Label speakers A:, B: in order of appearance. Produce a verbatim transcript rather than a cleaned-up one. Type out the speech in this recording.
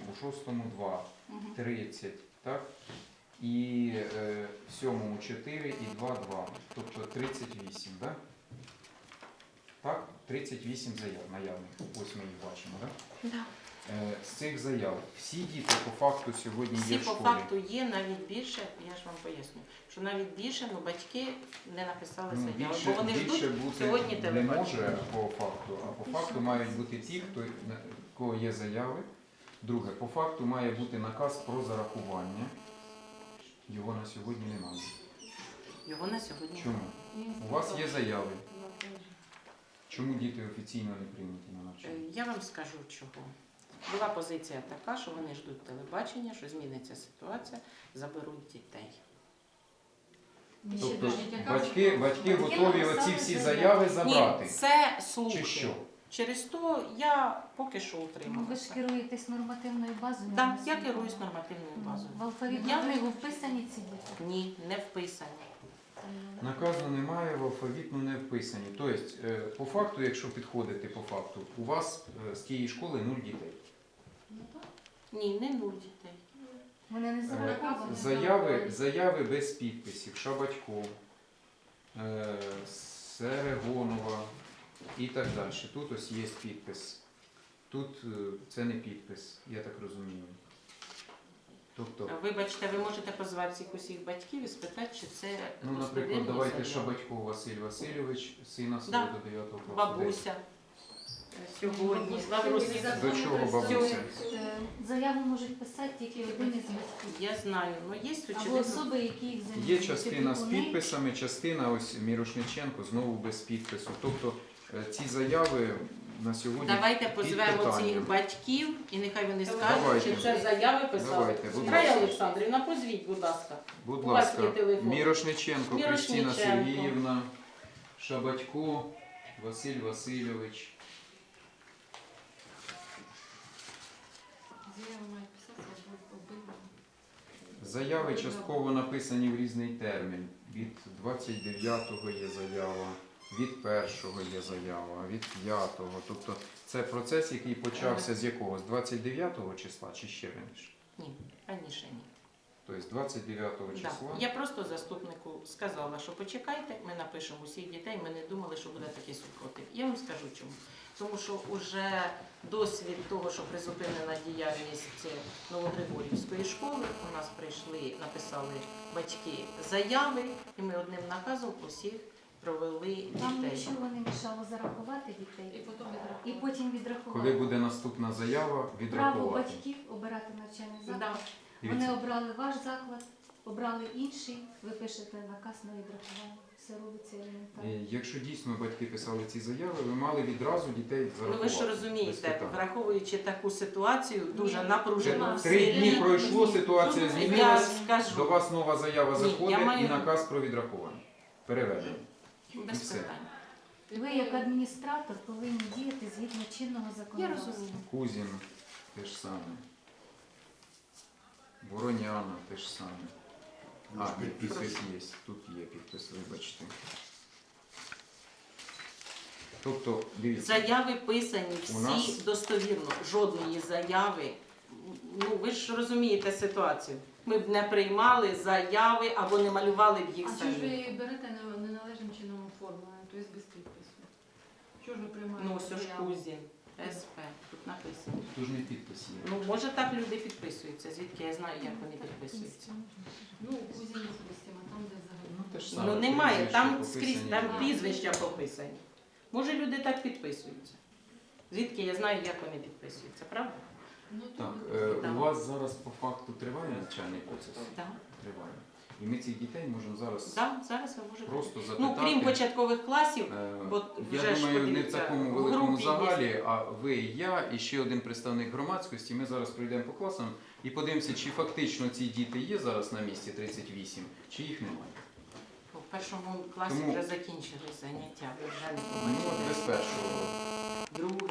A: у шостому два, тридцять, так? І е, в сьомому чотири і два, два. Тобто тридцять вісім, так? Так? тридцять вісім заяв наявних. Ось ми їх бачимо, так?
B: Да.
A: Е, з цих заяв всі діти по факту сьогодні
B: Всі
A: є в
B: по
A: школі.
B: факту є, навіть більше, я ж вам поясню, що навіть більше, ну батьки не написали
A: Ну,
B: заяву,
A: більше,
B: бо вони
A: більше
B: ждуть
A: бути
B: сьогодні
A: не
B: телебачення.
A: може по факту, а по факту мають бути ті, хто, на кого є заяви. Друге, по факту має бути наказ про зарахування. Його на сьогодні немає.
B: Його на сьогодні
A: Чому?
B: немає.
A: У вас є заяви. Чому діти офіційно не прийняті на
B: Е,
A: навчання?
B: Я вам скажу чого. Була позиція така, що вони ждуть телебачення, що зміниться ситуація, заберуть дітей.
A: Тобто батьки, батьки готові оці всі заяви забрати?
B: Ні, це слухи.
A: Чи що?
B: Через то я поки що
C: Ну, ви ж
B: утрималася.
C: керуєтесь нормативною базою?
B: Так,
C: на
B: я
C: освіту?
B: керуюсь нормативною базою.
C: В алфавітну
B: Я-
C: книгу вписані ці діти?
B: Ні, не вписані.
A: Наказу немає, в алфавітну не вписані. Тобто, е, по факту, якщо підходити по факту, у вас е, з тієї школи нуль дітей.
B: Ні, не нуль дітей.
C: Вони не
A: Е,
C: зараховані?
A: Заяви, заяви без підписів, Шабатько, е, Серегонова і так далі. Тут ось є підпис. Тут е, це не підпис, я так розумію. Тобто,
B: Вибачте, ви можете позвати всіх усіх батьків і спитати, чи це
A: ну, наприклад,
B: достовірні
A: давайте
B: заяви.
A: Шабатько Василь Васильович, сина свого
B: Да.
A: до дев'ятого класу.
B: Бабуся е, сьогодні. Бабуся.
A: До чого бабуся?
C: Е, Заяву можуть писати тільки один із батьків.
B: Я знаю, але є
C: Або
B: очевидно.
C: особи, які їх замінюють.
A: Є частина з
C: Опікуни.
A: підписами, частина ось Мірошниченко знову без підпису. Тобто е, ці заяви на сьогодні
B: Давайте
A: під
B: позвемо
A: питанням.
B: цих батьків і нехай вони скажуть,
A: Давайте.
B: чи це заяви писали.
A: Давайте, будь
B: Рая
A: ласка.
B: Олександрівна, позвіть, будь ласка.
A: Будь
B: У вас є
A: ласка,
B: телефон.
A: Мірошниченко, Кристина
B: Мірошниченко.
A: Сергіївна, Шабатько, Василь Васильович. Заяви частково написані в різний термін. Від двадцять дев'ятого є заява, від першого є заява, від п'ятого. Тобто це процес, який почався з якого? З двадцять дев'ятого числа чи ще раніше?
B: Ні, раніше ні.
A: Тобто з двадцять дев'ятого
B: Да.
A: числа.
B: Я просто заступнику сказала, що почекайте, ми напишемо усіх дітей, ми не думали, що буде такий супротив. Я вам скажу чому. Тому що вже досвід того, що призупинена діяльність Новогригорівської школи, у нас прийшли, написали батьки заяви, і ми одним наказом усіх провели
C: Вам
B: дітей.
C: нічого не мішало зарахувати дітей
D: І потім відрахувати.
C: і потім відрахувати.
A: Коли буде наступна заява,
C: Право
A: відрахувати.
C: батьків обирати навчальний заклад.
B: Да.
C: Вони
A: Дивіться,
C: обрали ваш заклад, обрали інший, ви пишете наказ на відрахування. Все робиться елементарно.
A: е, якщо дійсно батьки писали ці заяви, ви мали відразу дітей
B: Ну
A: зарахувати.
B: ви ж
A: без
B: розумієте,
A: питань.
B: враховуючи таку ситуацію, дуже
C: Ні,
B: напружену
C: нема.
B: в
A: Три
B: селі.
A: дні пройшло, ситуація
B: Я
A: змінилась.
B: скажу.
A: До вас нова заява
B: Ні,
A: заходить
B: я маю-
A: і наказ про відрахування. Переведення.
B: Без
A: І все.
B: питань.
C: Ви, як адміністратор, повинні діяти згідно чинного
B: Я
C: законодавства.
B: розумію.
A: Кузін те ж саме. Вороняна те ж саме. А, ні, підпис є. Тут є підпис, вибачте. Тобто, дивіться,
B: Заяви писані
A: У
B: всі
A: нас-
B: достовірно. Жодної заяви. Ну ви ж розумієте ситуацію. Ми б не приймали заяви або не малювали б їх
D: А чого ж
B: самі.
D: ви берете не- неналежним чином оформлення, тобто без підпису? Чого ж ви приймаєте
B: Ну ось ж
D: заяву?
B: Кузін, СП, тут написано.
A: тут ж не підпис є.
B: Ну може так люди підписуються. Звідки я знаю, як вони підписуються.
D: Ну, кузін допустимо, там де взагалі.
A: Ну, те ж саме,
B: Ну немає,
A: прізвища
B: там
A: пописані.
B: скрізь там прізвища пописані. Може люди так підписуються. Звідки я знаю, як вони підписуються, правда?
D: Ну,
A: Так,
D: то-
A: е,
B: Так.
A: у вас зараз по факту триває навчальний процес?
B: Так.
A: Триває. І ми цих дітей можемо зараз
B: Да, зараз ви можете.
A: просто запитати.
B: Ну, крім початкових класів,
A: Е,
B: бо
A: я
B: вже ж
A: думаю, не в
B: подивіться,
A: такому
B: в
A: великому
B: групі є.
A: загалі, а ви, і я, і ще один представник громадськості. Ми зараз пройдемо по класам і подивимося, чи фактично ці діти є зараз на місці тридцять вісім, чи їх немає.
B: В першому класі
A: Тому-
B: вже закінчили заняття, ви вже не
A: Ну, от без
B: побачили.
A: першого.
B: Другий.